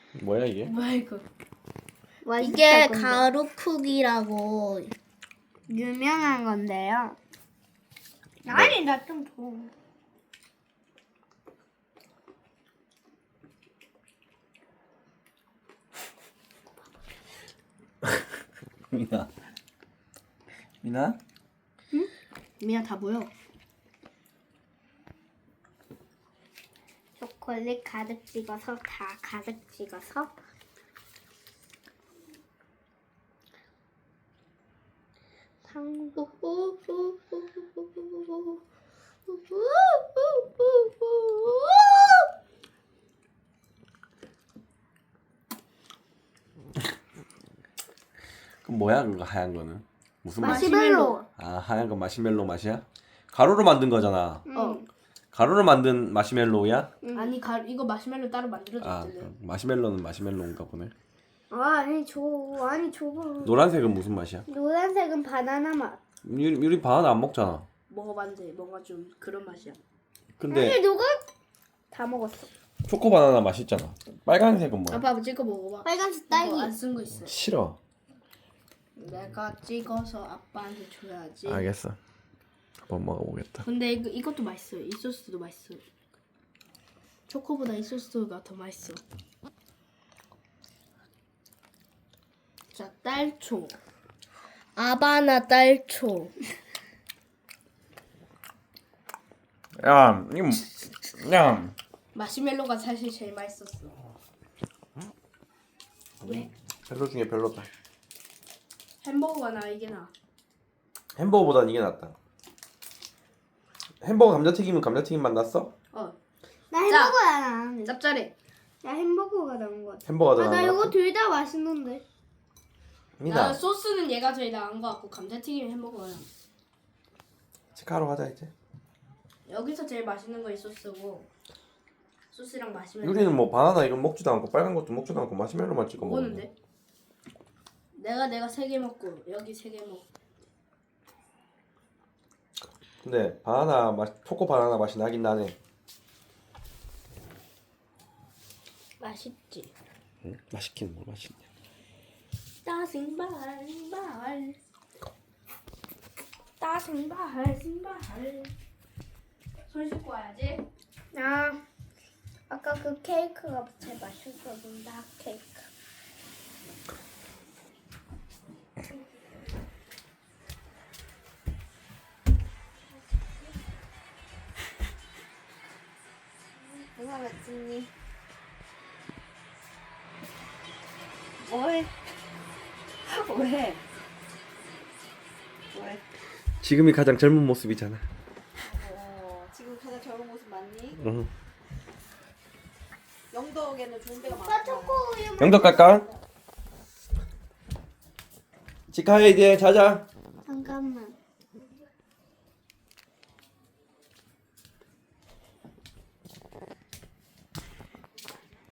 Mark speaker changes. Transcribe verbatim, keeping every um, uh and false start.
Speaker 1: 뭐야 이게?
Speaker 2: 뭐야 이거?
Speaker 3: 이게
Speaker 4: 맛있을 건데.
Speaker 3: 가루 쿡이라고.
Speaker 4: 유명한 건데요. 아니 나 좀 더.
Speaker 1: 미나. 미나?
Speaker 2: 미야 다 보여.
Speaker 4: 초콜릿 가득 찍어서 다 가득 찍어서
Speaker 3: 당구.
Speaker 1: 그럼 뭐야 그거 하얀 거는? 무슨 맛?
Speaker 4: 마시멜로.
Speaker 1: 아 하얀 건 마시멜로 맛이야? 가루로 만든 거잖아.
Speaker 2: 어.
Speaker 1: 가루로 만든 마시멜로야?
Speaker 2: 아니 가 이거 마시멜로 따로 만들어져
Speaker 1: 아
Speaker 2: 있잖아요.
Speaker 1: 그럼 마시멜로는 마시멜로인가 보네.
Speaker 4: 아 아니 저 아니 저거
Speaker 1: 노란색은 무슨 맛이야?
Speaker 4: 노란색은 바나나 맛.
Speaker 1: 유리, 유리 바나나 안 먹잖아.
Speaker 2: 먹어봤는데 뭔가 좀 그런 맛이야.
Speaker 1: 근데
Speaker 4: 아니 누가 다 먹었어.
Speaker 1: 초코 바나나 맛있잖아. 빨간색은 뭐야?
Speaker 2: 아빠 찍어 먹어봐.
Speaker 4: 빨간색
Speaker 2: 이거
Speaker 4: 딸기.
Speaker 2: 안 쓴 거 있어.
Speaker 1: 싫어.
Speaker 2: 내가 찍어서 아빠한테 줘야지.
Speaker 1: 알겠어. 한번 먹어보겠다.
Speaker 2: 근데 이거 이것도 맛있어요. 이 소스도 맛있어. 초코보다 이 소스가 더 맛있어. 자, 딸초.
Speaker 3: 아바나 딸초.
Speaker 1: 야, 이거 야.
Speaker 2: 마시멜로가 사실 제일 맛있었어. 왜?
Speaker 1: 별로 중에 별로다.
Speaker 2: 햄버거가 나 이게 나.
Speaker 1: 햄버거보단 이게 낫다. 햄버거 감자튀김은 감자튀김 맛 났어?
Speaker 2: 어,
Speaker 4: 나 햄버거야 나.
Speaker 2: 짭짤해.
Speaker 4: 나 햄버거가 나온 거 같아.
Speaker 1: 햄버거가
Speaker 4: 아,
Speaker 1: 더
Speaker 4: 나
Speaker 1: 나은 것
Speaker 4: 이거
Speaker 1: 같아?
Speaker 4: 둘 다 맛있는데.
Speaker 2: 나
Speaker 1: 미나,
Speaker 2: 소스는 얘가 제일 나은 거 같고 감자튀김 햄버거야.
Speaker 1: 치카로 하자 이제.
Speaker 2: 여기서 제일 맛있는 거 이 소스고 소스랑 마시멜로.
Speaker 1: 유리는 뭐 바나나 이건 먹지도 않고 빨간 것도 먹지도 않고 마시멜로만 찍어 먹는데.
Speaker 2: 먹었는데? 내가 내가 세 개 먹고 여기 세 개 먹.
Speaker 1: 근데 바나나 맛, 초코 바나나 맛이 나긴 나네.
Speaker 2: 맛있지.
Speaker 1: 응? 맛있긴 뭘 맛있냐?
Speaker 2: 따승발발 따승발승발 손 씻고 와야지.
Speaker 4: 아 아까 그 케이크가 제일 맛있었는데 핫 케이크. 누가 맛있니?
Speaker 2: 뭐해? 왜? 왜?
Speaker 1: 지금이 가장 젊은 모습이잖아.
Speaker 5: 어, 지금 가장 젊은 모습 맞니?
Speaker 1: 응.
Speaker 5: 영덕에는 좋은 데가
Speaker 4: 오빠
Speaker 5: 많아.
Speaker 4: 초코 우유.
Speaker 1: 영덕 갈까? 치카해 이제 자자.
Speaker 4: 잠깐만.